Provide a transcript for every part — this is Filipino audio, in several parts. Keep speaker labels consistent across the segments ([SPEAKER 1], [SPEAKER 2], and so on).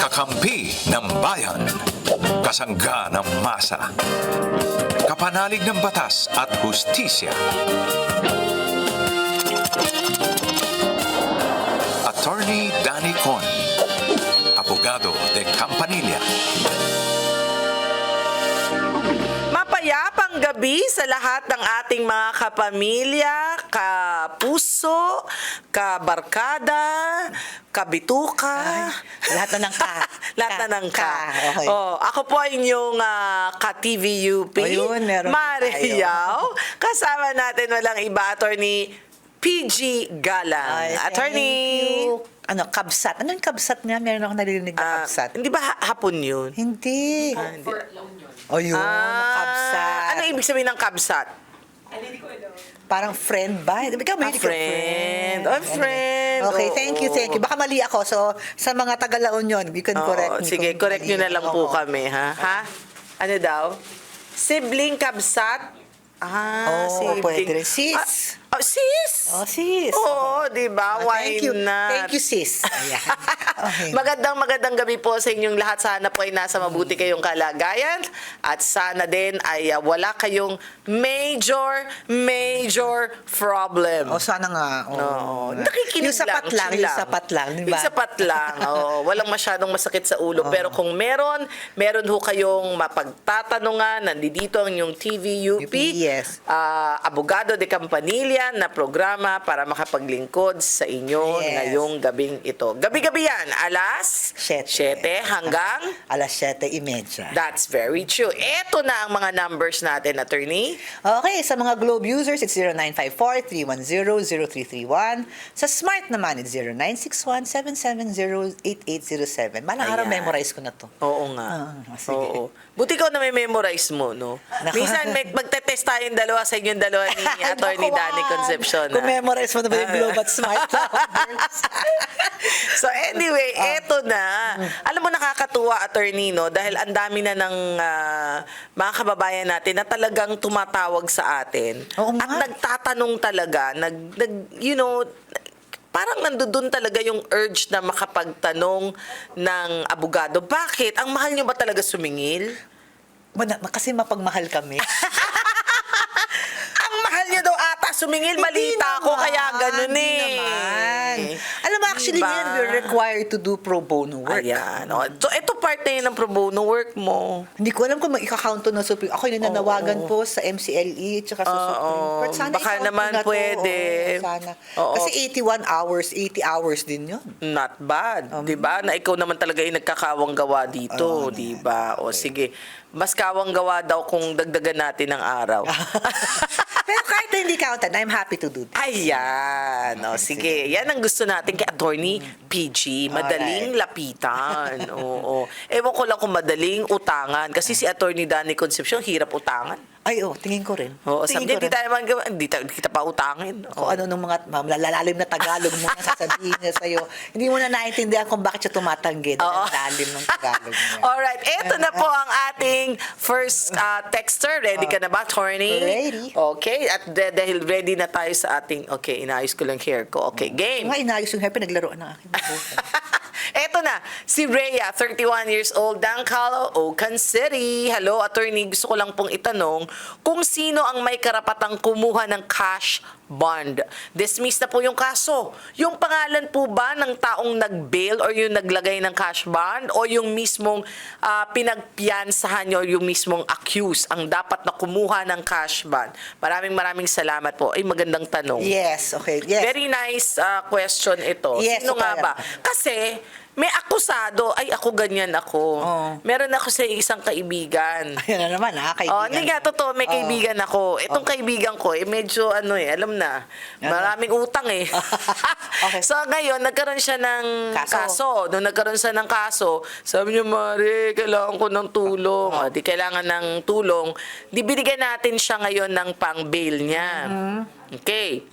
[SPEAKER 1] Kakampi ng bayan. Kasangga ng masa. Kapanalig ng batas at hustisya. Attorney Danny Con. Abogado de Campanilla.
[SPEAKER 2] Mapayapang gabi sa lahat ng ating mga kapamilya, kapuso, kabarkada, kabituka.
[SPEAKER 3] Lahat na ng ka.
[SPEAKER 2] Lahat na ng ka.
[SPEAKER 3] Okay.
[SPEAKER 2] Oh, ako po ay inyong ka-TVUP,
[SPEAKER 3] O yun, meron
[SPEAKER 2] Mariaw. Kasama natin walang iba, Attorney PG Galang.
[SPEAKER 3] Ay,
[SPEAKER 2] Attorney.
[SPEAKER 3] thank you. Ano, kabsat. Ano yung kabsat nga? Meron ako naririnig na kabsat.
[SPEAKER 2] Hindi ba hapon yun?
[SPEAKER 3] Hindi.
[SPEAKER 2] Hindi.
[SPEAKER 3] O yun, kabsat.
[SPEAKER 2] Ano ibig sabihin ng kabsat?
[SPEAKER 3] Parang friend ba? Ikaw may
[SPEAKER 2] Friend. Oh, friend.
[SPEAKER 3] Okay,
[SPEAKER 2] Oo.
[SPEAKER 3] thank you, thank you. Baka mali ako. So, sa mga taga-Laon yun, you can
[SPEAKER 2] Oo,
[SPEAKER 3] correct me.
[SPEAKER 2] sige,
[SPEAKER 3] kung
[SPEAKER 2] correct
[SPEAKER 3] mali.
[SPEAKER 2] nyo na lang po kami, ha? Ha? Ano daw? Sibling kabsat?
[SPEAKER 3] Oo, pwede rin. Sis.
[SPEAKER 2] Sis?
[SPEAKER 3] Oh, sis.
[SPEAKER 2] Oo, di ba? Why
[SPEAKER 3] Thank you.
[SPEAKER 2] not?
[SPEAKER 3] Thank you, sis. Ayan. Okay.
[SPEAKER 2] Magandang gabi po sa inyong lahat. Sana po ay nasa mabuti kayong kalagayan at sana din ay wala kayong major problem.
[SPEAKER 3] O, sana nga.
[SPEAKER 2] Oo. Nakikinig
[SPEAKER 3] Yung sapat lang,
[SPEAKER 2] chill
[SPEAKER 3] yung sapat lang, di ba?
[SPEAKER 2] Yung sapat lang. Oo. Walang masyadong masakit sa ulo. Pero kung meron ho kayong mapagtatanungan, nandito ang inyong TVUP.
[SPEAKER 3] Yes.
[SPEAKER 2] Abogado de Campanilla na programa para makapaglingkod sa inyo
[SPEAKER 3] Yes.
[SPEAKER 2] ngayong gabing ito. Gabi-gabi yan, alas 7 hanggang
[SPEAKER 3] Alas 7:30.
[SPEAKER 2] That's very true. Ito na ang mga numbers natin, Attorney.
[SPEAKER 3] Okay, sa mga Globe users, it's 0954-310-0331. Sa Smart naman, it's 0961-770-8807. Malang araw,
[SPEAKER 2] Ayan.
[SPEAKER 3] memorize ko na to.
[SPEAKER 2] Oo nga.
[SPEAKER 3] Sige.
[SPEAKER 2] Oo. Buti ko na may memorize mo, no?
[SPEAKER 3] Naku.
[SPEAKER 2] Minsan magte-test tayong dalawa sa inyong dalawa ni Attorney
[SPEAKER 3] Naku,
[SPEAKER 2] Danny Concepcion.
[SPEAKER 3] Kung memorize mo na ba yung Globe at Smart numbers?
[SPEAKER 2] So anyway, eto na. Alam mo, nakakatuwa, Attorney, no? Dahil ang dami na ng mga kababayan natin na talagang tumatawag sa atin.
[SPEAKER 3] Oo nga.
[SPEAKER 2] At nagtatanong talaga, parang nandoon talaga yung urge na makapagtanong ng abogado. Bakit? Ang mahal nyo ba talaga sumingil?
[SPEAKER 3] Kasi mapagmahal kami.
[SPEAKER 2] Ang mahal nyo daw ata sumingil. Malita ko, kaya ganun
[SPEAKER 3] Hindi
[SPEAKER 2] eh.
[SPEAKER 3] naman. Alam mo, actually,
[SPEAKER 2] Diba?
[SPEAKER 3] ngayon, we're required to do pro bono work.
[SPEAKER 2] Ayan. O. So, ito part na yun ng pro bono work mo.
[SPEAKER 3] Hindi ko alam kung ika-count to na Supreme. Ako yung nananawagan po sa MCLE tsaka sa Supreme Court. Sana
[SPEAKER 2] Baka
[SPEAKER 3] i-count
[SPEAKER 2] naman
[SPEAKER 3] ko na to.
[SPEAKER 2] pwede.
[SPEAKER 3] Oo, sana.
[SPEAKER 2] Oo.
[SPEAKER 3] Kasi 81 hours, 80 hours din yun.
[SPEAKER 2] Not bad. 'Di ba? Na ikaw naman talaga yung nagkakawang gawa dito,
[SPEAKER 3] Oo,
[SPEAKER 2] 'di ba? O sige. Mas kawang gawa daw kung dagdagan natin ng araw.
[SPEAKER 3] Pero kahit na hindi counted, I'm happy to do that.
[SPEAKER 2] Ayan. O, sige. Yan ang gusto natin kay Attorney PG. Madaling lapitan. Oo. Ewan ko lang kung madaling utangan. Kasi si Attorney Danny Concepcion, hirap utangan.
[SPEAKER 3] Ay, tingin ko rin.
[SPEAKER 2] Oo,
[SPEAKER 3] Tingin
[SPEAKER 2] hindi
[SPEAKER 3] ko rin.
[SPEAKER 2] tayo man gawa. Hindi kita pa utangin.
[SPEAKER 3] Kung ano nung mga malalalim na Tagalog mo na sasabihin niya sa'yo. Hindi mo na naintindihan kung bakit siya tumatanggi. Dahil
[SPEAKER 2] Oo.
[SPEAKER 3] ang lalim ng Tagalog niya.
[SPEAKER 2] Alright, eto na po ang ating first texter. Ready ka na ba, Attorney?
[SPEAKER 3] Ready.
[SPEAKER 2] Okay, at dahil ready na tayo sa ating, okay, inayos ko lang hair ko. Okay, game.
[SPEAKER 3] Nga inayos yung hair, pinaglaruan ng aking buhok.
[SPEAKER 2] Eto na, si Rhea, 31 years old, Caloocan City. Hello, Attorney. Gusto ko lang pong itanong kung sino ang may karapatang kumuha ng cash bond. Dismiss na po yung kaso. Yung pangalan po ba ng taong nag-bail or yung naglagay ng cash bond o yung mismong pinagpiyansahan nyo, yung mismong accused ang dapat na kumuha ng cash bond? Maraming salamat po. Ay, magandang tanong.
[SPEAKER 3] Yes, okay. Yes.
[SPEAKER 2] Very nice question ito.
[SPEAKER 3] Yes,
[SPEAKER 2] Sino nga
[SPEAKER 3] okay.
[SPEAKER 2] ba? Kasi may akusado, ay ako ganyan ako.
[SPEAKER 3] Oh.
[SPEAKER 2] Meron ako sa isang kaibigan.
[SPEAKER 3] Ayun na naman, kaibigan.
[SPEAKER 2] Oh, hindi nga, totoo, may kaibigan ako. Itong kaibigan ko, medyo alam na, maraming utang eh.
[SPEAKER 3] Okay.
[SPEAKER 2] So ngayon, nagkaroon siya ng
[SPEAKER 3] Kaso.
[SPEAKER 2] Nung nagkaroon siya ng kaso, sabi niya, Mari, kailangan ko ng tulong. Di kailangan ng tulong. Di binigyan natin siya ngayon ng pang-bail niya. Okay.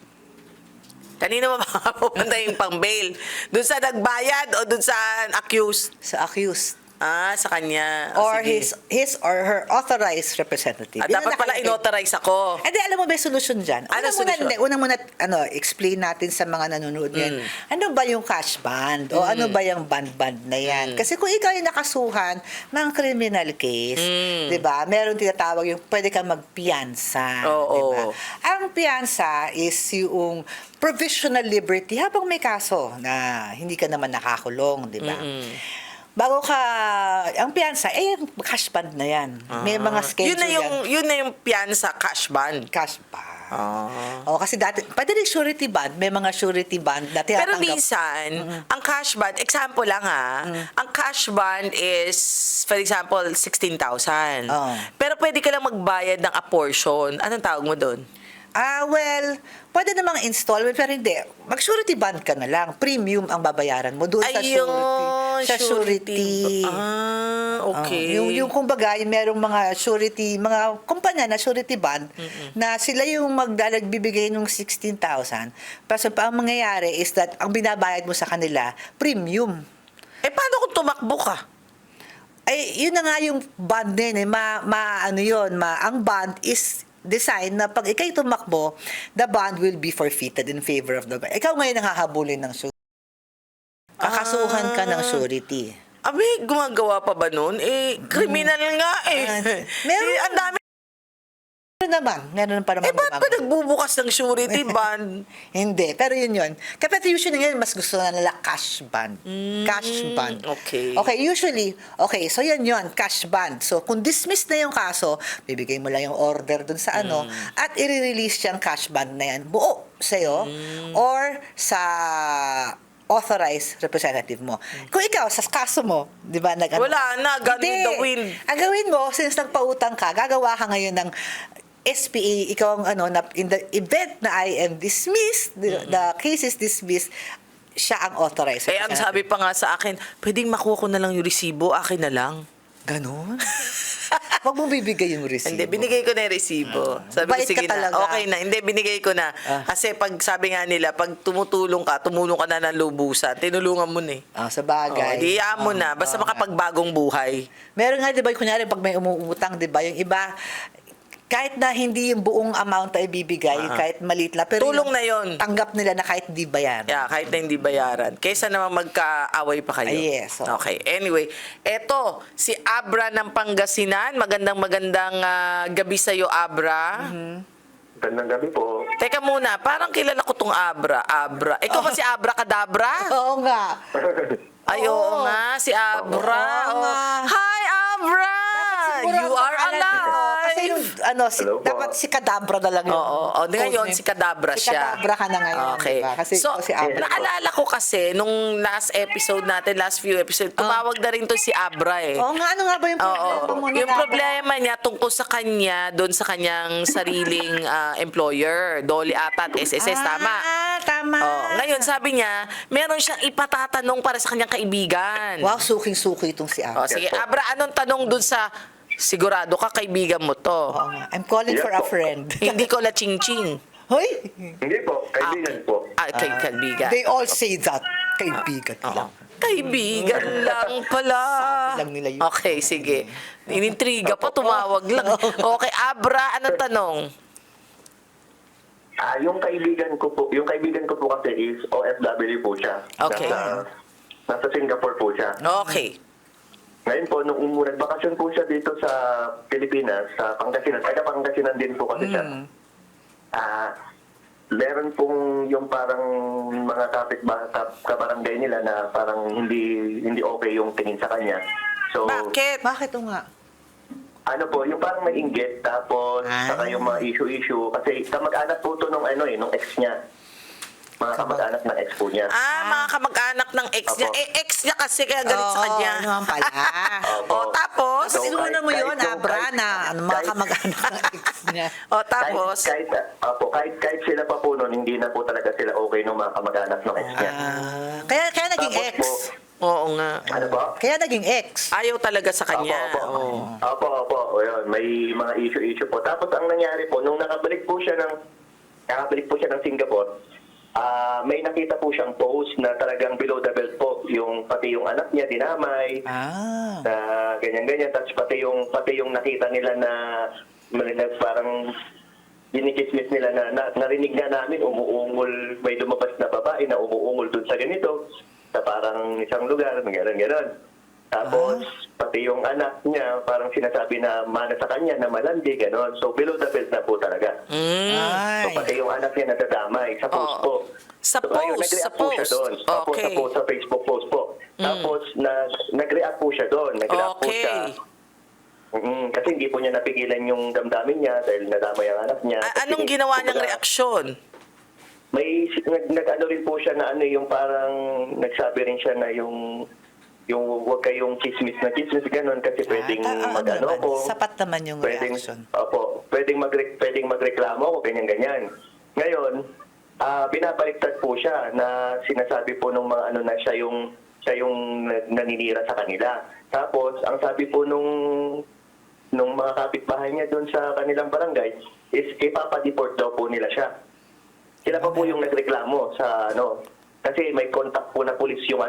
[SPEAKER 2] Kanino ba pupunta yung pang-bail? Doon sa nagbayad o doon sa accused?
[SPEAKER 3] Sa accused.
[SPEAKER 2] Sa kanya.
[SPEAKER 3] Or
[SPEAKER 2] Sige.
[SPEAKER 3] his or her authorized representative. Yun ang
[SPEAKER 2] Dapat pala
[SPEAKER 3] nakalagay.
[SPEAKER 2] inauthorize ako.
[SPEAKER 3] Hindi, alam mo, may solusyon dyan.
[SPEAKER 2] Ano solusyon?
[SPEAKER 3] Una muna, explain natin sa mga nanonood ngayon. Ano ba yung cash band? O ano ba yung band na yan? Kasi kung ikaw yung nakasuhan ng criminal case, di ba? Meron tinatawag yung pwede kang magpiyansa.
[SPEAKER 2] Oo.
[SPEAKER 3] Di ba? Ang piyansa is yung provisional liberty habang may kaso na hindi ka naman nakakulong, di ba? Bago ka, ang piyansa, cash band na yan. May mga schedule
[SPEAKER 2] Yun na yung piyansa cash band.
[SPEAKER 3] cash band. Kasi dati, pwede rin surety band. May mga surety band na
[SPEAKER 2] Pero
[SPEAKER 3] tinatanggap.
[SPEAKER 2] minsan, ang cash band, example lang ang cash band is, for example, 16,000.
[SPEAKER 3] Oo.
[SPEAKER 2] Pero pwede ka lang magbayad ng a portion. Anong tawag mo doon?
[SPEAKER 3] Well, pwede namang installment, pero hindi. Mag-surety band ka na lang. Premium ang babayaran mo doon sa surety. Sa surety.
[SPEAKER 2] Okay.
[SPEAKER 3] Yung kumbaga, yung merong mga surety, mga kumpanya na surety band, na sila yung magbibigay ng 16,000. Pero ang mangyayari is that ang binabayad mo sa kanila, premium.
[SPEAKER 2] Paano kung tumakbo ka?
[SPEAKER 3] Yun na nga yung band din. Ang band is design na pag ikay tumakbo, the bond will be forfeited in favor of the bank. Ikaw ngayon ang hahabulin ng surety. Kakasuhan ka ng surety.
[SPEAKER 2] Gumagawa pa ba nun? Criminal nga
[SPEAKER 3] Meron.
[SPEAKER 2] Ang dami.
[SPEAKER 3] Meron pa naman.
[SPEAKER 2] Ba't pa nagbubukas ng surety band?
[SPEAKER 3] Hindi, pero yun. Kapag usually ngayon, mas gusto na nila cash band. Cash band.
[SPEAKER 2] Okay.
[SPEAKER 3] Okay, usually, so yun, cash band. So, kung dismiss na yung kaso, bibigay mo lang yung order dun sa at i-release yung cash band na yan buo sa'yo or sa authorized representative mo. Kung ikaw, sa kaso mo, di ba?
[SPEAKER 2] Wala na, gone with
[SPEAKER 3] Hindi.
[SPEAKER 2] the wind.
[SPEAKER 3] Ang gawin mo, since nagpautang ka, gagawa ka ngayon ng SPA, ikaw ang in the event na I am dismissed, the case is dismissed, siya ang authorized.
[SPEAKER 2] Ang sabi pa nga sa akin, pwedeng makuha ko na lang yung resibo, akin na lang.
[SPEAKER 3] Ganon? Huwag mo bibigay yung resibo.
[SPEAKER 2] Hindi, binigay ko na yung resibo. Sabi ko,
[SPEAKER 3] Bait ka
[SPEAKER 2] sige na,
[SPEAKER 3] talaga.
[SPEAKER 2] okay na. Hindi, binigay ko na. Kasi pag sabi nga nila, pag tumulong ka na ng lubusan, tinulungan mo na
[SPEAKER 3] Sa bagay.
[SPEAKER 2] Diyan mo na. Basta makapagbagong buhay.
[SPEAKER 3] Meron nga, di ba, kunyari, pag may umuutang, di ba, yung iba, kahit na hindi yung buong amount ay bibigay, kahit maliit lang, pero
[SPEAKER 2] Tulong na yun.
[SPEAKER 3] Tanggap nila na kahit di bayan.
[SPEAKER 2] Kahit na hindi bayaran. Kaysa naman magkaaway pa kayo.
[SPEAKER 3] Yes.
[SPEAKER 2] Okay. Anyway, eto, si Abra ng Pangasinan. Magandang gabi sa'yo, Abra.
[SPEAKER 4] Gandang gabi po.
[SPEAKER 2] Teka muna, parang kilala ko tong Abra. Ikaw ba si Abra Kadabra?
[SPEAKER 3] Oo nga.
[SPEAKER 2] Oo nga, si Abra.
[SPEAKER 3] Oo nga.
[SPEAKER 2] Hi, Abra!
[SPEAKER 3] Siguro
[SPEAKER 2] You
[SPEAKER 3] ang
[SPEAKER 2] are
[SPEAKER 3] pangalan
[SPEAKER 2] alive!
[SPEAKER 3] ko, kasi yung,
[SPEAKER 4] Hello po.
[SPEAKER 3] dapat si Kadabra na lang yun.
[SPEAKER 2] Oo. Ngayon, si Kadabra
[SPEAKER 3] Si
[SPEAKER 2] siya.
[SPEAKER 3] Kadabra ka na ngayon,
[SPEAKER 2] Okay.
[SPEAKER 3] di ba? Kasi
[SPEAKER 2] so,
[SPEAKER 3] ikaw si Abra.
[SPEAKER 2] naalala ko kasi, nung last few episodes, tumawag na rin to si Abra
[SPEAKER 3] Oo nga, ano nga ba yung problema mo?
[SPEAKER 2] Yung problema niya tungkol sa kanya, doon sa kanyang sariling employer, Dolly ata at SSS, tama?
[SPEAKER 3] Tama.
[SPEAKER 2] Ngayon, sabi niya, meron siyang ipatatanong para sa kanyang kaibigan.
[SPEAKER 3] Wow, suking-suki itong si Abra.
[SPEAKER 2] Sige, Abra, anong tanong doon sa sigurado ka, kaibigan mo to?
[SPEAKER 3] Oo nga. I'm calling
[SPEAKER 4] Yes
[SPEAKER 3] for a
[SPEAKER 4] po.
[SPEAKER 3] friend.
[SPEAKER 2] Hindi ko la ching-ching.
[SPEAKER 3] Hoy!
[SPEAKER 4] Hindi po, kaibigan po.
[SPEAKER 2] Kaibigan.
[SPEAKER 3] They all say that. Kaibigan lang.
[SPEAKER 2] Kaibigan lang pala.
[SPEAKER 3] Sabi lang nila yun.
[SPEAKER 2] Okay, sige. Inintriga pa, tumawag lang. Okay, Abra, anong tanong?
[SPEAKER 4] Yung kaibigan ko po kasi is OFW po siya.
[SPEAKER 2] Okay.
[SPEAKER 4] Nasa Singapore po siya.
[SPEAKER 2] Okay.
[SPEAKER 4] Ngayon po, nung nagbakasyon po siya dito sa Pilipinas, sa Pangasinan, Pangasinan din po kasi siya. Meron pong yung parang mga kabarangay nila na parang hindi okay yung tingin sa kanya. So,
[SPEAKER 2] Bakit?
[SPEAKER 3] Bakit o nga?
[SPEAKER 4] ano po, yung parang may inggit, tapos saka yung mga issue-issue. Kasi kamag-anak po to nung nung ex niya. Mga kamag-anak ng ex po niya.
[SPEAKER 2] Mga kamag-anak ng ex niya.
[SPEAKER 4] Opo.
[SPEAKER 2] Ex niya kasi kaya galit sa kanya.
[SPEAKER 3] Oo, naman pala.
[SPEAKER 4] Opo.
[SPEAKER 2] Tapos?
[SPEAKER 4] So,
[SPEAKER 3] Sinuna mo yun,
[SPEAKER 4] kahit-
[SPEAKER 3] Abra, na mga
[SPEAKER 4] kahit-
[SPEAKER 3] kamag-anak ng ex niya.
[SPEAKER 2] Tapos?
[SPEAKER 4] Kahit sila pa po noon, hindi na po talaga sila okay nung mga kamag-anak ng ex niya.
[SPEAKER 3] Kaya naging
[SPEAKER 4] Tapos
[SPEAKER 3] ex.
[SPEAKER 4] po,
[SPEAKER 2] Oo nga.
[SPEAKER 4] ano po?
[SPEAKER 3] Kaya naging ex.
[SPEAKER 2] Ayaw talaga sa kanya.
[SPEAKER 4] Opo. Opo. O yun, may mga issue po. Tapos ang nangyari po, nung nakabalik po siya ng Singapore, may nakita po siyang post na talagang below the belt po. Yung pati yung anak niya dinamay, na ganyan-ganyan. Tapos pati yung nakita nila na parang dinikismis nila na narinig na namin umuungol, may lumabas na babae na umuungol dun sa ganito, sa parang isang lugar, gano'n. Tapos, pati yung anak niya, parang sinasabi na mana sa kanya, na malandi, gano'n. So, below the belt na po talaga. So,
[SPEAKER 3] Ay.
[SPEAKER 4] pati yung anak niya nadadamay sa post po.
[SPEAKER 2] Sa
[SPEAKER 4] So, ayun,
[SPEAKER 2] post,
[SPEAKER 4] nag-react
[SPEAKER 2] sa
[SPEAKER 4] po siya
[SPEAKER 2] post.
[SPEAKER 4] doon. Opo,
[SPEAKER 2] Okay.
[SPEAKER 4] sa post, sa Facebook post po. Tapos, nag-react po siya doon. Nag-react po siya. Kasi hindi po niya napigilan yung damdamin niya dahil nadamay ang anak niya. Kasi,
[SPEAKER 2] Anong ginawa niyang
[SPEAKER 4] kumbaga,
[SPEAKER 2] reaksyon?
[SPEAKER 4] may nag-ano rin po siya na yung parang nagsabi rin siya na yung huwag kayong chismis na chismis ganun kasi pwedeng mag-ano
[SPEAKER 3] naman,
[SPEAKER 4] ko.
[SPEAKER 3] sapat naman yung
[SPEAKER 4] Pwedeng,
[SPEAKER 3] reaction.
[SPEAKER 4] opo, pwedeng magreklamo ko, ganyan-ganyan. Ngayon, binabaliktad po siya na sinasabi po nung mga na siya yung naninira sa kanila. Tapos, ang sabi po nung mga kapitbahay niya doon sa kanilang barangay is ipapadeport daw po nila siya. Sila pa po yung nagreklamo sa kasi may contact po na pulis yung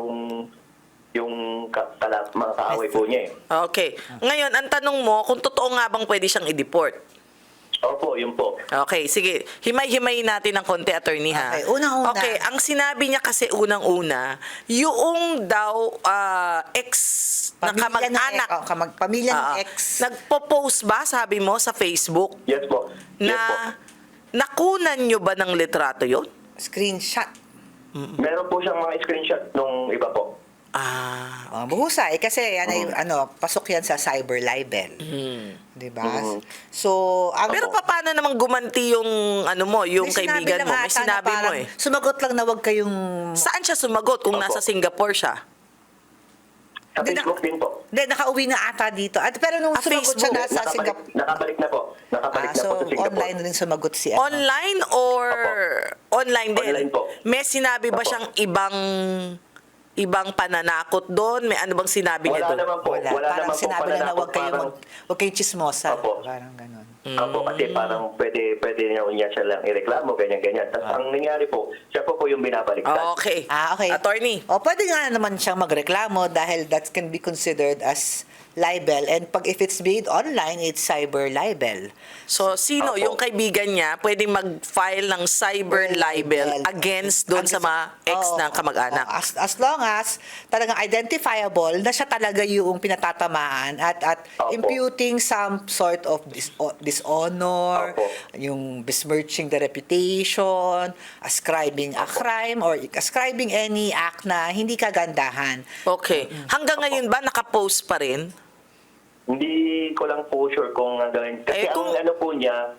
[SPEAKER 4] mga kaaway po niya eh.
[SPEAKER 2] Okay. Ngayon, ang tanong mo, kung totoo nga bang pwede siyang i-deport?
[SPEAKER 4] Opo, yun po.
[SPEAKER 2] Okay, sige. Himay-himayin natin ng konti, attorney, ha?
[SPEAKER 3] Okay, unang-una.
[SPEAKER 2] Okay, ang sinabi niya kasi unang-una, yung daw ex na kamag-anak.
[SPEAKER 3] Pamilya ng ex.
[SPEAKER 2] Nagpo-post ba, sabi mo, sa Facebook,
[SPEAKER 4] Yes po. Yes po.
[SPEAKER 2] na nakunan nyo ba ng litrato yun?
[SPEAKER 3] Screenshot.
[SPEAKER 4] Meron po siyang mga screenshot nung iba po.
[SPEAKER 3] Buhusay kasi yan ay pasok yan sa cyber libel. 'Di ba? So,
[SPEAKER 2] Pero paano namang gumanti yung yung
[SPEAKER 3] may sinabi
[SPEAKER 2] kaibigan
[SPEAKER 3] lang
[SPEAKER 2] mo? May
[SPEAKER 3] ata na
[SPEAKER 2] sinabi mo
[SPEAKER 3] parang
[SPEAKER 2] eh.
[SPEAKER 3] Sumagot lang na wag kayong
[SPEAKER 2] Saan siya sumagot kung
[SPEAKER 4] Opo.
[SPEAKER 2] nasa Singapore siya?
[SPEAKER 4] Sa
[SPEAKER 3] Hindi,
[SPEAKER 4] Facebook din po.
[SPEAKER 3] Hindi, nakauwi na ata dito. Pero nung sumagot siya
[SPEAKER 2] Facebook.
[SPEAKER 3] nasa Singapore.
[SPEAKER 4] Nakabalik na po. Nakabalik na
[SPEAKER 3] So,
[SPEAKER 4] po sa Singapore.
[SPEAKER 3] online rin sumagot si
[SPEAKER 2] Online or online din?
[SPEAKER 4] Online po.
[SPEAKER 2] May sinabi ba
[SPEAKER 4] Opo.
[SPEAKER 2] siyang ibang pananakot doon? May ano bang sinabi niya
[SPEAKER 4] Wala
[SPEAKER 2] doon?
[SPEAKER 4] naman po. Wala
[SPEAKER 3] Parang
[SPEAKER 4] naman po
[SPEAKER 3] sinabi lang na
[SPEAKER 4] pananakot,
[SPEAKER 3] wag kayong chismosa.
[SPEAKER 4] Opo.
[SPEAKER 3] Parang ganun.
[SPEAKER 4] Opo, kasi parang pwede niya siya lang ireklamo, ganyan-ganyan. Tapos ang nangyari po, siya po yung binabaliktad.
[SPEAKER 2] Okay.
[SPEAKER 3] Okay.
[SPEAKER 2] Attorney.
[SPEAKER 3] O, pwede nga naman siyang magreklamo dahil that can be considered as libel. And if it's made online, it's cyber libel.
[SPEAKER 2] So, sino
[SPEAKER 4] Opo.
[SPEAKER 2] yung kaibigan niya pwedeng mag-file ng cyber libel against doon sa mga ex ng kamag-anak?
[SPEAKER 3] As long as talagang identifiable na siya talaga yung pinatatamaan at
[SPEAKER 4] Opo.
[SPEAKER 3] imputing some sort of dishonor,
[SPEAKER 4] Opo.
[SPEAKER 3] yung besmirching the reputation, ascribing a crime or ascribing any act na hindi kagandahan.
[SPEAKER 2] Okay. Hanggang ngayon ba nakapost pa rin?
[SPEAKER 4] Hindi ko lang po sure kung gagawin. Kasi
[SPEAKER 2] kung-
[SPEAKER 4] ang ano po niya,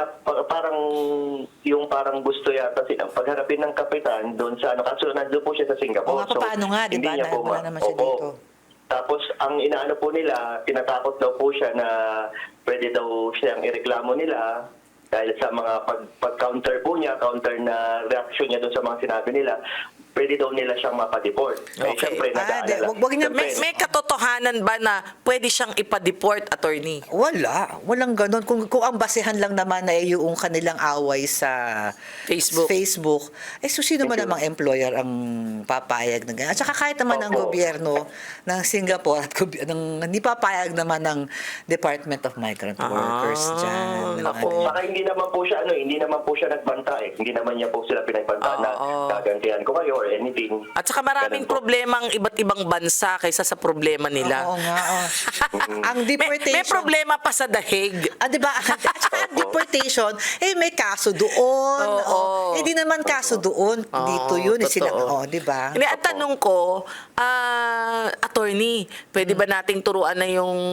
[SPEAKER 4] parang gusto yata silang pagharapin ng kapitan doon sa kaso nandun po siya sa Singapore.
[SPEAKER 3] O nga, paano nga, di ba?
[SPEAKER 4] hindi niya po
[SPEAKER 3] Wala naman siya
[SPEAKER 4] Opo.
[SPEAKER 3] dito.
[SPEAKER 4] Tapos, ang inaano po nila, tinatakot daw po siya na pwede daw siyang ireklamo nila dahil sa mga pag-counter po niya, counter na reaction niya doon sa mga sinabi nila, pwede daw nila siyang mapadeport.
[SPEAKER 2] Okay.
[SPEAKER 4] Siyempre, nag-aalala.
[SPEAKER 3] wag niya-
[SPEAKER 2] May katotohanan ba na pwede siyang ipa-deport, attorney?
[SPEAKER 3] Walang ganun. Kung ang basehan lang naman na yung kanilang away sa
[SPEAKER 2] Facebook.
[SPEAKER 3] so sino man namang employer ang papayag na ganyan? At saka kahit naman ang
[SPEAKER 4] Opo.
[SPEAKER 3] gobyerno ng Singapore at hindi papayag naman ng Department of Migrant Workers dyan.
[SPEAKER 2] Naku.
[SPEAKER 4] Saka hindi naman po siya nagbanta eh. Hindi naman niya po sila pinagbanta na gagantihan ko kayo or anything.
[SPEAKER 2] At saka maraming
[SPEAKER 4] Ganun po.
[SPEAKER 2] problema ang iba't ibang bansa kaysa sa problema nila.
[SPEAKER 3] Oo nga. Ang deportation.
[SPEAKER 2] May problema pa sa dahig.
[SPEAKER 3] Di ba? At saka ang deportation, may kaso doon.
[SPEAKER 2] Oo.
[SPEAKER 3] Di naman kaso doon. Dito yun.
[SPEAKER 2] Totoo.
[SPEAKER 3] Di ba?
[SPEAKER 2] Hindi, ang tanong ko, attorney, pwede ba nating turuan na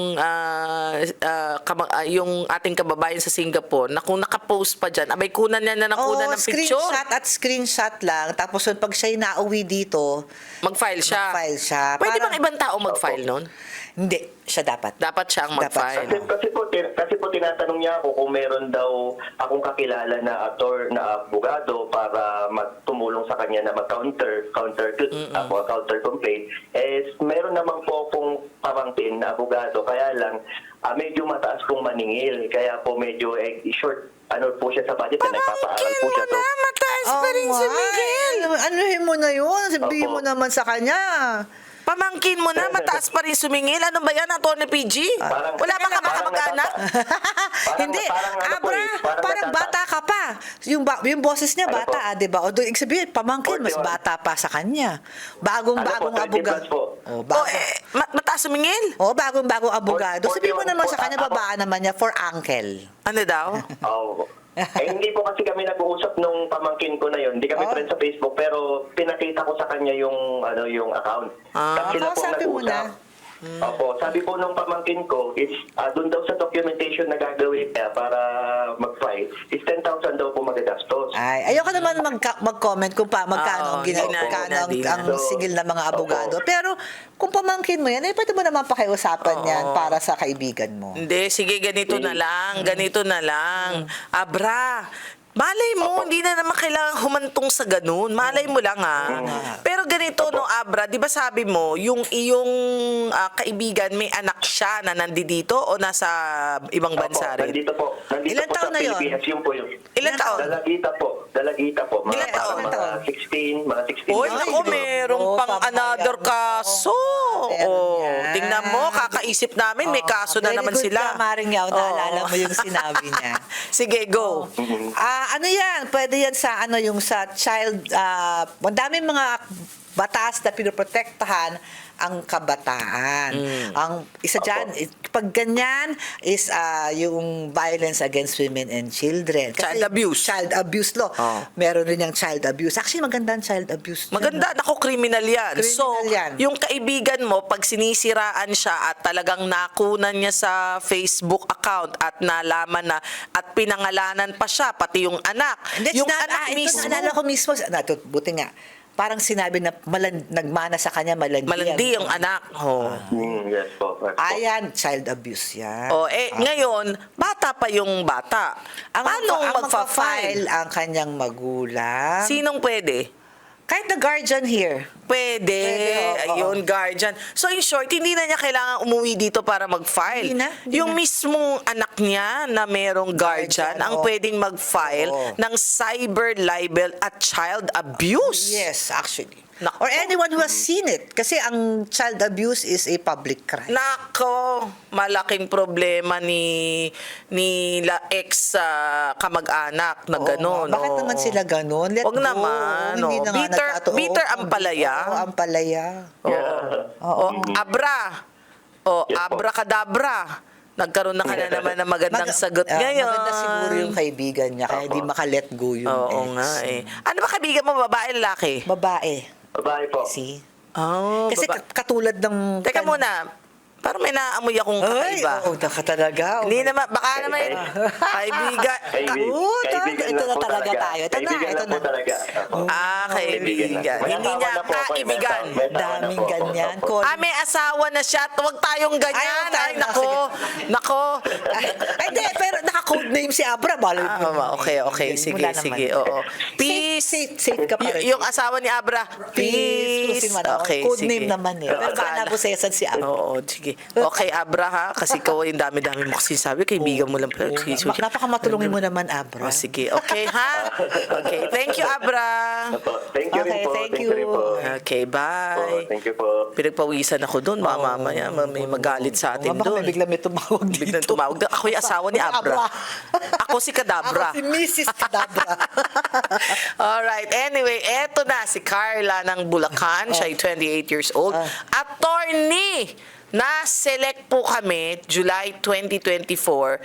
[SPEAKER 2] yung ating kababayan sa Singapore na kung nakapost pa dyan, abay kunan niya na nakunan ng picture.
[SPEAKER 3] Screenshot lang. Tapos pag siya'y nauwi dito,
[SPEAKER 2] Mag-file siya. Pwede
[SPEAKER 3] Parang-
[SPEAKER 2] bang ibang tao mag-file nun?
[SPEAKER 3] Hindi. Siya dapat.
[SPEAKER 2] Dapat siyang
[SPEAKER 3] Dapat
[SPEAKER 2] mag-file.
[SPEAKER 4] Kasi po tinatanong niya ako kung meron daw akong kakilala na abogado para tumulong sa kanya na counter complaint. Meron naman po akong pamangkin na abogado, kaya lang medyo mataas pong maningil. Kaya po medyo short po siya sa budget na nagpapaaral po siya.
[SPEAKER 2] Mataas pa rin si Miguel.
[SPEAKER 3] Anuhin mo na yun. Sabihin mo
[SPEAKER 4] Opo.
[SPEAKER 3] naman sa kanya.
[SPEAKER 2] Pamangkin mo na, mataas pa rin sumingil. Ano ba yan, Atty. PG?
[SPEAKER 4] Parang-
[SPEAKER 2] Wala bang kamag-anak?
[SPEAKER 3] Hindi,
[SPEAKER 4] ano po
[SPEAKER 3] Abra,
[SPEAKER 4] eh,
[SPEAKER 3] parang
[SPEAKER 4] natata-
[SPEAKER 3] bata ka pa. Yung boses niya
[SPEAKER 4] Ano
[SPEAKER 3] bata,
[SPEAKER 4] po?
[SPEAKER 3] di ba? O doon, ibig sabihin, pamangkin, mas
[SPEAKER 4] 41.
[SPEAKER 3] bata pa sa kanya. Bagong-bagong
[SPEAKER 4] Ano po, 30
[SPEAKER 3] abogado.
[SPEAKER 4] plus po.
[SPEAKER 3] Oh,
[SPEAKER 2] O, mataas sumingil?
[SPEAKER 3] bagong-bagong abogado. Sabihin mo naman sa kanya,
[SPEAKER 4] Ako-
[SPEAKER 3] babaan naman niya for uncle.
[SPEAKER 2] Ano daw?
[SPEAKER 4] Oo. Hindi po kasi kami nag-uusap nung pamangkin ko na yun. Hindi kami
[SPEAKER 3] Oh.
[SPEAKER 4] friends sa Facebook, pero pinakita ko sa kanya yung account. Tapos sila po
[SPEAKER 3] kausapin mo na.
[SPEAKER 4] nag-usap. Opo, sabi po nung pamangkin ko is doon daw sa documentation na gagawin niya para mag-file is 10,000 daw po magagastos.
[SPEAKER 3] Ay, ayoko naman mag-comment kung magkano
[SPEAKER 2] Oo,
[SPEAKER 3] magkano
[SPEAKER 2] hindi na.
[SPEAKER 3] ang sigil ng mga abogado. Pero kung pamangkin mo yan, pwede mo naman pakiusapan yan para sa kaibigan mo.
[SPEAKER 2] Hindi, sige, ganito na lang. Ganito na lang. Abra, malay mo, hindi na naman kailangan humantong sa ganun. Malay mo lang, Pero ganito, no, Abra, di ba sabi mo, yung iyong kaibigan, may anak siya na nandito o nasa ibang bansa rin?
[SPEAKER 4] Nandito po. Nandito
[SPEAKER 3] Ilan
[SPEAKER 4] po
[SPEAKER 3] taon
[SPEAKER 4] sa
[SPEAKER 3] na yun?
[SPEAKER 4] Pilipinas. Yun po yun.
[SPEAKER 2] Ilan taon?
[SPEAKER 4] Dalagita po. Mga,
[SPEAKER 2] Ilan taon?
[SPEAKER 4] mga 16, mga 16.
[SPEAKER 2] Oy,
[SPEAKER 3] Ay,
[SPEAKER 2] nako,
[SPEAKER 3] no.
[SPEAKER 2] merong
[SPEAKER 3] Oo,
[SPEAKER 2] pang
[SPEAKER 3] pabayaan
[SPEAKER 2] another
[SPEAKER 3] mo.
[SPEAKER 2] kaso.
[SPEAKER 3] Meron
[SPEAKER 2] Oh,
[SPEAKER 3] yan.
[SPEAKER 2] tingnan mo, kakaisip namin, may kaso na
[SPEAKER 3] Very
[SPEAKER 2] naman
[SPEAKER 3] good
[SPEAKER 2] sila.
[SPEAKER 3] Ka, Maring Yao, naalala mo yung sinabi niya.
[SPEAKER 2] Sige, go.
[SPEAKER 3] Ano yan? Pwede yan sa yung sa child, madaming mga batas na pinoprotektahan ang kabataan. Ang isa dyan, pag ganyan is yung violence against women and children.
[SPEAKER 2] Child abuse.
[SPEAKER 3] Child abuse law.
[SPEAKER 2] Oh.
[SPEAKER 3] Meron rin yung child abuse. Actually, maganda ang child abuse.
[SPEAKER 2] Maganda, nako, criminal yan.
[SPEAKER 3] Criminal
[SPEAKER 2] So,
[SPEAKER 3] yan.
[SPEAKER 2] yung kaibigan mo, pag sinisiraan siya at talagang nakunan niya sa Facebook account at nalaman na at pinangalanan pa siya, pati yung anak.
[SPEAKER 3] Hindi,
[SPEAKER 2] Yung anak mismo.
[SPEAKER 3] Naalala ko mismo, buti nga, parang sinabi na nagmana sa kanya malandi.
[SPEAKER 2] Malandi yung anak. Oh.
[SPEAKER 4] Yes po. Yes po.
[SPEAKER 3] Ayan, child abuse yan.
[SPEAKER 2] Ngayon, bata pa yung bata. Paano magfa-file?
[SPEAKER 3] ang kanyang magulang.
[SPEAKER 2] Sinong pwede?
[SPEAKER 3] Kahit the guardian here.
[SPEAKER 2] Pwede.
[SPEAKER 3] oo.
[SPEAKER 2] Ayun, guardian. So, in short, hindi na niya kailangan umuwi dito para mag-file.
[SPEAKER 3] Hindi
[SPEAKER 2] Yung
[SPEAKER 3] na.
[SPEAKER 2] mismong anak niya na merong guardian ang
[SPEAKER 3] oo.
[SPEAKER 2] pwedeng mag-file
[SPEAKER 3] Oo.
[SPEAKER 2] ng cyber libel at child abuse.
[SPEAKER 3] Yes, actually.
[SPEAKER 2] Nako.
[SPEAKER 3] Or anyone who has seen it. Kasi ang child abuse is a public crime.
[SPEAKER 2] Nako, malaking problema ni ex kamag-anak na gano'n.
[SPEAKER 3] Bakit naman sila ganun? Let
[SPEAKER 2] Wag
[SPEAKER 3] go.
[SPEAKER 2] naman.
[SPEAKER 3] Hindi na nga
[SPEAKER 2] Bitter ang palaya.
[SPEAKER 3] Oo, ang palaya.
[SPEAKER 2] Oh, Abra. Oh,
[SPEAKER 4] Yes, po.
[SPEAKER 2] abracadabra. Nagkaroon na ka na naman ng magandang sagot ngayon.
[SPEAKER 3] Maganda siguro yung kaibigan niya, kaya di maka-let go yung
[SPEAKER 2] Oo
[SPEAKER 3] ex.
[SPEAKER 2] nga eh. Ano ba kaibigan mo, babae, lalaki?
[SPEAKER 3] Babae.
[SPEAKER 4] Babae po.
[SPEAKER 3] See?
[SPEAKER 2] Oh,
[SPEAKER 3] Kasi katulad ng...
[SPEAKER 2] Teka muna, parang may naamoy akong
[SPEAKER 3] Ay,
[SPEAKER 2] kakaiba.
[SPEAKER 3] oo, talaga.
[SPEAKER 2] Hindi naman, baka naman yun. Kaibigan.
[SPEAKER 4] Kaibigan
[SPEAKER 3] ito
[SPEAKER 4] lang
[SPEAKER 3] na
[SPEAKER 4] po
[SPEAKER 3] talaga tayo. Ito na,
[SPEAKER 4] Kaibigan
[SPEAKER 3] ito
[SPEAKER 4] lang po
[SPEAKER 3] na.
[SPEAKER 4] talaga. Opo.
[SPEAKER 2] Kaibigan.
[SPEAKER 4] May
[SPEAKER 2] Hindi
[SPEAKER 4] asawa
[SPEAKER 2] niya
[SPEAKER 4] na po ako,
[SPEAKER 2] kaibigan.
[SPEAKER 4] may asawa na
[SPEAKER 3] Daming
[SPEAKER 4] po ako.
[SPEAKER 3] ganyan.
[SPEAKER 4] Opo.
[SPEAKER 2] May asawa na siya. Huwag tayong ganyan.
[SPEAKER 3] Ay, huwag tayo.
[SPEAKER 2] Ay, nako. Nako.
[SPEAKER 3] Ay, hindi, pero naka-codename si Abra.
[SPEAKER 2] Okay. Sige,
[SPEAKER 3] Wala naman.
[SPEAKER 2] sige. Oo. Peace.
[SPEAKER 3] Safe ka pa rin.
[SPEAKER 2] Yung asawa ni Abra. Peace. Okay,
[SPEAKER 3] Codename
[SPEAKER 2] sige.
[SPEAKER 3] naman eh. Pero kala ko sesan si Abra.
[SPEAKER 2] Oo, sige. Okay, Abra ha. Kasi ikaw yung dami-dami mo kasi sabi. Kaibigan mo lang. Sige.
[SPEAKER 3] Napakamatulungin mo naman, Abra.
[SPEAKER 2] Oh, sige. Okay, ha? Okay. Thank you, Abra.
[SPEAKER 4] Opo. Thank you rin
[SPEAKER 3] Okay,
[SPEAKER 4] po.
[SPEAKER 3] thank
[SPEAKER 4] you rin
[SPEAKER 3] you.
[SPEAKER 4] po.
[SPEAKER 2] Okay,
[SPEAKER 4] Opo,
[SPEAKER 2] bye.
[SPEAKER 4] Thank you po.
[SPEAKER 2] Pinagpawisan ako doon. Baka mamaya may magalit sa atin
[SPEAKER 3] Baka
[SPEAKER 2] doon.
[SPEAKER 3] biglang may tumawag dito.
[SPEAKER 2] Biglang tumawag. Ako yung asawa ni Abra. Ako si Kadabra.
[SPEAKER 3] Ako si Mrs. Kadabra.
[SPEAKER 2] Alright. Anyway, eto na si Carla ng Bulacan. Siya ay 28 years old. Attorney! Na-select po kami July 2024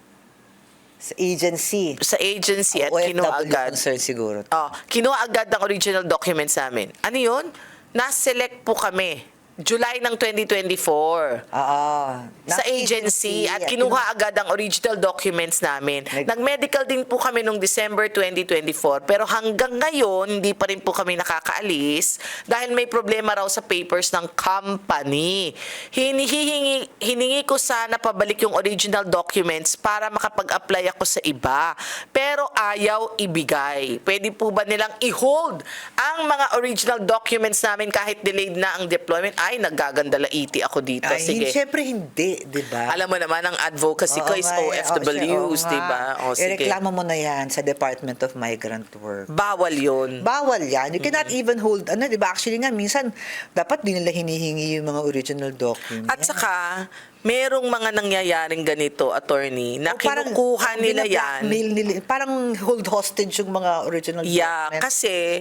[SPEAKER 3] Sa agency.
[SPEAKER 2] sa agency at kinuha
[SPEAKER 3] OFW
[SPEAKER 2] agad.
[SPEAKER 3] concern siguro.
[SPEAKER 2] Kinuha agad ang original documents namin. Ano yun? Na-select po kami July ng 2024. Sa agency at kinuha agad ang original documents namin. Nag-medical din po kami noong December 2024 pero hanggang ngayon hindi pa rin po kami nakakaalis dahil may problema raw sa papers ng company. Hiningi ko sana pabalik yung original documents para makapag-apply ako sa iba pero ayaw ibigay. Pwede po ba nilang i-hold ang mga original documents namin kahit delayed na ang deployment? ay, naggagandalaiti ako dito.
[SPEAKER 3] Ay,
[SPEAKER 2] Sige.
[SPEAKER 3] Siyempre hindi, di ba?
[SPEAKER 2] Alam mo naman, ang advocacy ko is OFWs, di ba? O, sige.
[SPEAKER 3] Ireklamo mo na yan sa Department of Migrant Work.
[SPEAKER 2] Bawal yun.
[SPEAKER 3] Bawal yan. You cannot even hold, di ba? Actually nga, minsan, dapat di nila hinihingi yung mga original documents.
[SPEAKER 2] At saka, merong mga nangyayaring ganito, attorney, na
[SPEAKER 3] Parang
[SPEAKER 2] kinukuha nila yan.
[SPEAKER 3] bina-blackmail nila, parang hold hostage yung mga original
[SPEAKER 2] Yeah,
[SPEAKER 3] documents.
[SPEAKER 2] kasi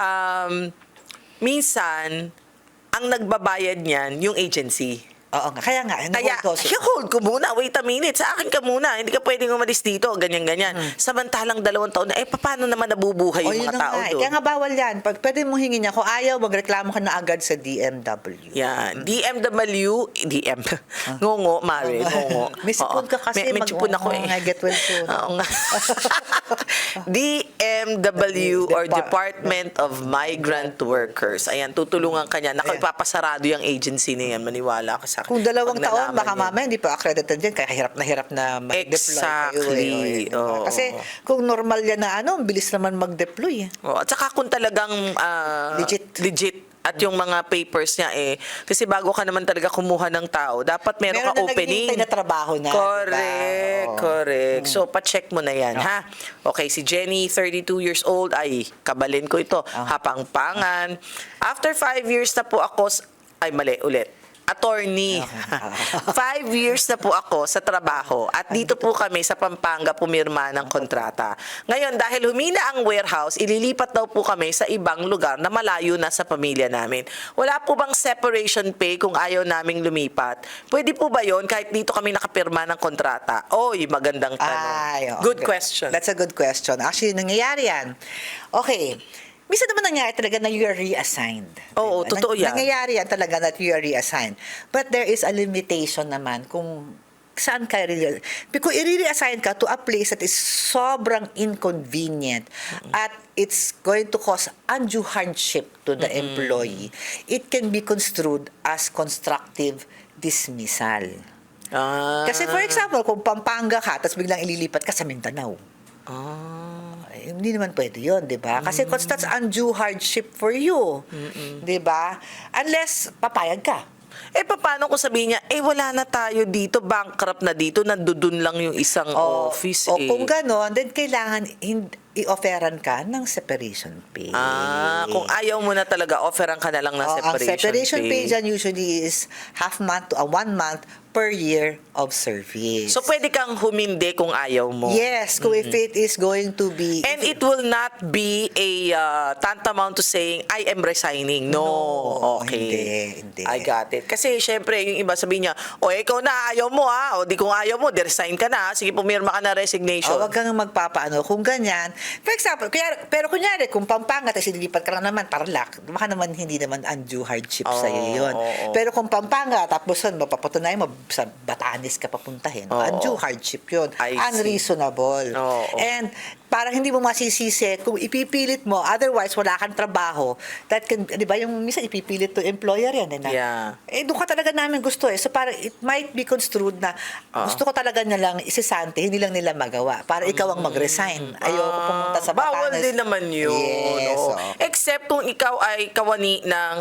[SPEAKER 2] minsan ang nagbabayad niyan yung agency.
[SPEAKER 3] Oo nga. Kaya nga,
[SPEAKER 2] Kaya,
[SPEAKER 3] hold hostage.
[SPEAKER 2] hold ko muna, wait a minute, sa akin ka muna, hindi ka pwedeng umalis dito, ganyan-ganyan. Samantalang 2 taon na, paano naman nabubuhay yung
[SPEAKER 3] yun
[SPEAKER 2] mga
[SPEAKER 3] na
[SPEAKER 2] tao
[SPEAKER 3] nga.
[SPEAKER 2] doon?
[SPEAKER 3] Kaya nga bawal yan. Pwede mo hingin niya. Kung ayaw, magreklamo ka na agad sa DMW.
[SPEAKER 2] Yan. Ngongo, Mare, ngongo.
[SPEAKER 3] May sipon ka kasi,
[SPEAKER 2] May sipon ako eh.
[SPEAKER 3] Get well soon.
[SPEAKER 2] Oo nga. DMW or Department of Migrant Workers. Ayan, tutulungan ka niya. Naku,
[SPEAKER 3] Ayan.
[SPEAKER 2] ipapasarado yung agency na yan. Maniwala ka sa akin.
[SPEAKER 3] Kung 2
[SPEAKER 2] Pag
[SPEAKER 3] taon,
[SPEAKER 2] nalaman
[SPEAKER 3] baka
[SPEAKER 2] yan.
[SPEAKER 3] mamaya hindi pa accredited yan. Kaya hirap na mag-deploy
[SPEAKER 2] Exactly.
[SPEAKER 3] kayo.
[SPEAKER 2] Oo.
[SPEAKER 3] Kasi kung normal yan na ang bilis naman mag-deploy.
[SPEAKER 2] Oh, at saka kung talagang legit at yung mga papers niya kasi bago ka naman talaga kumuha ng tao, dapat meron ka
[SPEAKER 3] na
[SPEAKER 2] opening.
[SPEAKER 3] naghihintay na trabaho na.
[SPEAKER 2] Correct,
[SPEAKER 3] diba? Oo.
[SPEAKER 2] correct. So, pa-check mo na yan, ha? Okay, si Jenny, 32 years old, ay, kabalin ko ito, hapang-pangan. After 5 years na po ako, ay, mali, ulit. Attorney. 5 years na po ako sa trabaho at dito po kami sa Pampanga pumirma ng kontrata. Ngayon, dahil humina ang warehouse, ililipat daw po kami sa ibang lugar na malayo na sa pamilya namin. Wala po bang separation pay kung ayaw naming lumipat? Pwede po ba yon kahit dito kami nakapirma ng kontrata? Oy, magandang tanong.
[SPEAKER 3] Ay, oo.
[SPEAKER 2] Good question.
[SPEAKER 3] That's a good question. Actually, nangyayari yan. Okay. Minsan naman nangyayari talaga na you are reassigned.
[SPEAKER 2] Oo,
[SPEAKER 3] Diba?
[SPEAKER 2] totoo yan.
[SPEAKER 3] Nangyayari yan talaga that you are reassigned. But there is a limitation naman kung saan ka Because i-reassign ka to a place that is sobrang inconvenient at it's going to cause undue hardship to the employee. It can be construed as constructive dismissal. Kasi for example, kung Pampanga ka, tapos biglang ililipat ka sa Mindanao. Hindi naman pwede yun, di ba? Kasi that's undue hardship for you. Di ba? Unless papayag ka.
[SPEAKER 2] Paano kung sabihin niya, wala na tayo dito, bankrupt na dito, nandun lang yung isang office.
[SPEAKER 3] O kung gano'n, then kailangan i-offeran ka ng separation pay.
[SPEAKER 2] Kung ayaw mo na talaga, offeran ka na lang ng
[SPEAKER 3] Ang separation pay dyan usually is half month to 1 month per year of service.
[SPEAKER 2] So, pwede kang humindi kung ayaw mo.
[SPEAKER 3] Yes, kung if it is going to be...
[SPEAKER 2] And it will not be a tantamount to saying, I am resigning. No. Okay.
[SPEAKER 3] Hindi.
[SPEAKER 2] I got it. Kasi, syempre, yung iba sabihin niya, ikaw na, ayaw mo ha. O, di kung ayaw mo, resign ka na. Sige, pumirma ka na resignation.
[SPEAKER 3] Huwag kang magpapaano. Kung ganyan, for example, pero kunyari, kung Pampanga, tapos ililipat ka lang naman, tarlac, baka naman hindi naman undue hardship sa'yo yun. Pero kung Pampanga, tapos mapapatunayan mo, sa Batanes ka papuntahin, undue hardship yun.
[SPEAKER 2] I see.
[SPEAKER 3] Unreasonable. And parang hindi mo masisisi kung ipipilit mo, otherwise wala kang trabaho, that can, di ba, yung minsan ipipilit to employer yan. Doon ka talaga namin gusto So parang it might be construed na gusto ko talaga na lang isisante, hindi lang nila magawa. Para ikaw ang mag-resign. Ayoko pumunta sa Batanes.
[SPEAKER 2] Bawal din naman yun.
[SPEAKER 3] Yes.
[SPEAKER 2] Except kung ikaw ay kawani ng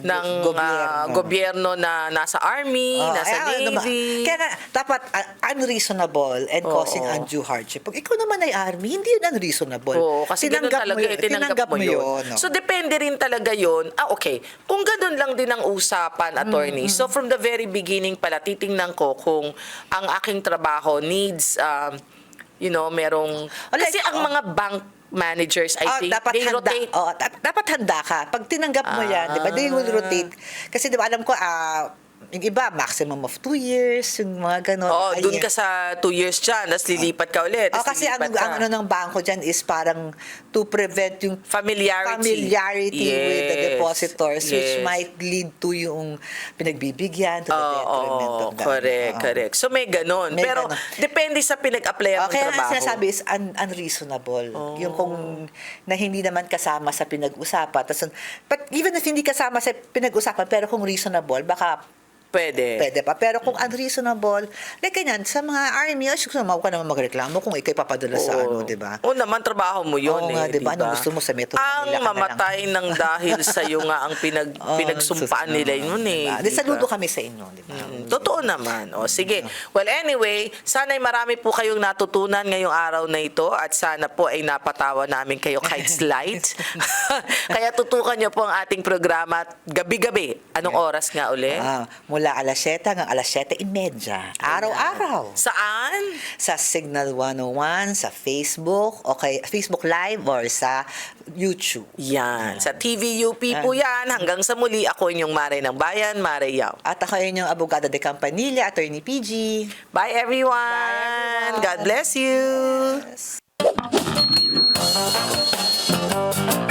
[SPEAKER 2] gobyerno na nasa army, nasa navy.
[SPEAKER 3] Kaya nga, dapat unreasonable and causing undue hardship. Pag ikaw naman ay army, hindi yun unreasonable.
[SPEAKER 2] Kasi ganun talaga, tinanggap mo yun.
[SPEAKER 3] No?
[SPEAKER 2] So, depende rin talaga yun. Okay. Kung ganun lang din ang usapan, attorney. So, from the very beginning pala, titingnan ko kung ang aking trabaho needs, merong... Kasi ang mga bank managers, I think, they rotate.
[SPEAKER 3] Dapat handa ka. Pag tinanggap mo yan, di ba, they will rotate. Kasi di ba, alam ko, yung iba, maximum of 2 years, yung mga gano'n.
[SPEAKER 2] Dun ka sa 2 years dyan, tapos lilipat ka ulit.
[SPEAKER 3] Kasi ang ano ng bangko dyan is parang to prevent yung familiarity with the depositors, which might lead to yung pinagbibigyan, to the detriment of that.
[SPEAKER 2] Correct. So may ganun. Pero depende sa pinag-apply ang
[SPEAKER 3] kaya
[SPEAKER 2] trabaho.
[SPEAKER 3] ang sinasabi is unreasonable. Yung kung na hindi naman kasama sa pinag-usapan. But even if hindi kasama sa pinag-usapan, pero kung reasonable, baka Pwede pa. Pero kung unreasonable, like ganyan, sa mga army, huwag ka naman magreklamo kung ikay papadala sa
[SPEAKER 2] Oo.
[SPEAKER 3] di ba?
[SPEAKER 2] Oo naman, trabaho mo yun
[SPEAKER 3] Oo nga, di ba? Anong gusto mo sa Metro
[SPEAKER 2] Ang
[SPEAKER 3] Manila ka na lang?
[SPEAKER 2] mamatay ng dahil sa'yo nga ang pinagsumpaan nila yun eh.
[SPEAKER 3] Di,
[SPEAKER 2] di
[SPEAKER 3] saludo
[SPEAKER 2] ba?
[SPEAKER 3] kami sa inyo, di ba?
[SPEAKER 2] Totoo naman. O sige. Well, anyway, sana'y marami po kayong natutunan ngayong araw na ito at sana po ay napatawa namin kayo kahit slight. Kaya tutukan niyo po ang ating programa gabi-gabi. Anong oras nga uli?
[SPEAKER 3] Mula alas 7 hanggang alas 7:30. Araw-araw.
[SPEAKER 2] Saan?
[SPEAKER 3] Sa Signal 101, sa Facebook, okay, Facebook Live or sa YouTube.
[SPEAKER 2] Yan. Sa TVUP po yan. Hanggang sa muli, ako inyong Mare ng Bayan, Mare Yao.
[SPEAKER 3] At ako yun yung Abogado de Campanilla, Attorney PG.
[SPEAKER 2] Bye everyone.
[SPEAKER 3] Bye, everyone.
[SPEAKER 2] God bless you.